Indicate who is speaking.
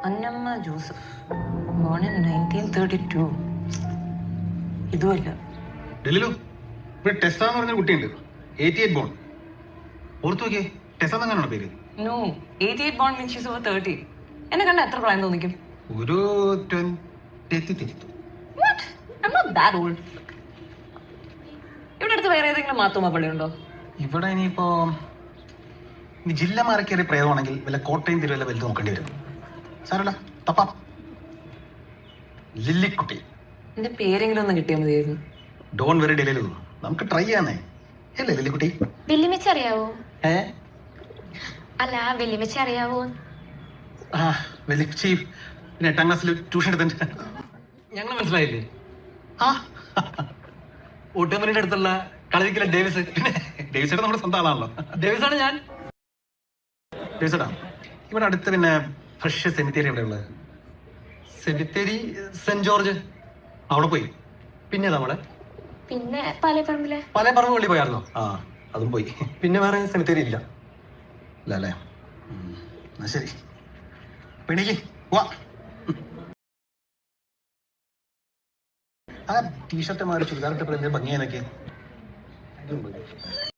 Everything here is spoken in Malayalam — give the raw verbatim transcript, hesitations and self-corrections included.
Speaker 1: Annamma Joseph, born in nineteen thirty two. ഇതുമല്ല.
Speaker 2: ഡെലിലു, ഇവിടെ ടെസ എന്ന് പറഞ്ഞൊരു കുട്ടിയുണ്ട്, എയ്റ്റി എയ്റ്റ് ബോൺ. ഓർത്തു നോക്കിയേ, ടെസ എന്നാണോ പേര്?
Speaker 1: No, eighty eight born means she's over thirty. എന്നെ കണ്ട എത്ര പ്രായം തോന്നിക്കും?
Speaker 2: ഒരു twenty.
Speaker 1: What? I'm not that old. ഇവിടെ അടുത്ത് വേറെ ഏതെങ്കിലും മാത്തോമ പള്ളി ഉണ്ടോ?
Speaker 2: ഇവിടെ ഇനിയിപ്പോ ഇനി ജില്ല മാറി കയറിയ പ്രേതമാണെങ്കിൽ വല്ല കോട്ടയം തിരുവല്ല വലുത് നോക്കേണ്ടി വരും. സാരല്ല, തപ്പാം. ലില്ലിക്കുട്ടി.
Speaker 1: എന്റെ പേരെങ്കിലും ഒന്ന് കിട്ടിയാൽ മതിയായിരുന്നു.
Speaker 2: ഡോൺ വെറി ഡെലിലു, നമുക്ക് ട്രൈ ചെയ്യാന്നേ. അല്ലേ ലില്ലിക്കുട്ടി?
Speaker 3: വെല്ലുമിച്ച് അറിയാവോ?
Speaker 2: ഏ
Speaker 3: അല്ല, വെല്ലുമിച്ച് അറിയാവോ?
Speaker 2: ആ വെല്ലിക്കുച്ചി പിന്നെ എട്ടാം ക്ലാസ്സിൽ ട്യൂഷൻ എടുത്തിട്ട്
Speaker 4: ഞങ്ങൾ മനസ്സിലായില്ലേ?
Speaker 2: ആ
Speaker 4: ഊട്ടുമണിയുടെ അടുത്തുള്ള കളരിക്കല ഡേവിസ്.
Speaker 2: പിന്നെ ഡേവിസേട്ടാ നമ്മുടെ സ്വന്തം ആളാണല്ലോ.
Speaker 4: ഡേവിസാണ് ഞാൻ.
Speaker 2: ഡേവിസേട്ടാ, ഇവിടെ അടുത്ത് പിന്നെ ഫ്രഷ് സെമിത്തേരി എവിടെ ഉള്ളത്?
Speaker 4: സെമിത്തേരി സെന്റ് ജോർജ്.
Speaker 2: അവിടെ പോയി.
Speaker 4: പിന്നെ നമ്മളെ
Speaker 3: പിന്നെ പാലേപ്പറമ്പിലെ
Speaker 4: പല പറമ്പ് പള്ളി പോയായിരുന്നോ?
Speaker 2: ആ അതും പോയി.
Speaker 4: പിന്നെ വേറെ സെമിത്തേരി ഇല്ല.
Speaker 2: ഇല്ല അല്ലേ? എന്നാ ശരി, പിണിക്ക് വാ. ആ ടീഷർട്ട് മാറി ചുരിദാറിട്ട് ഭംഗിയാനൊക്കെ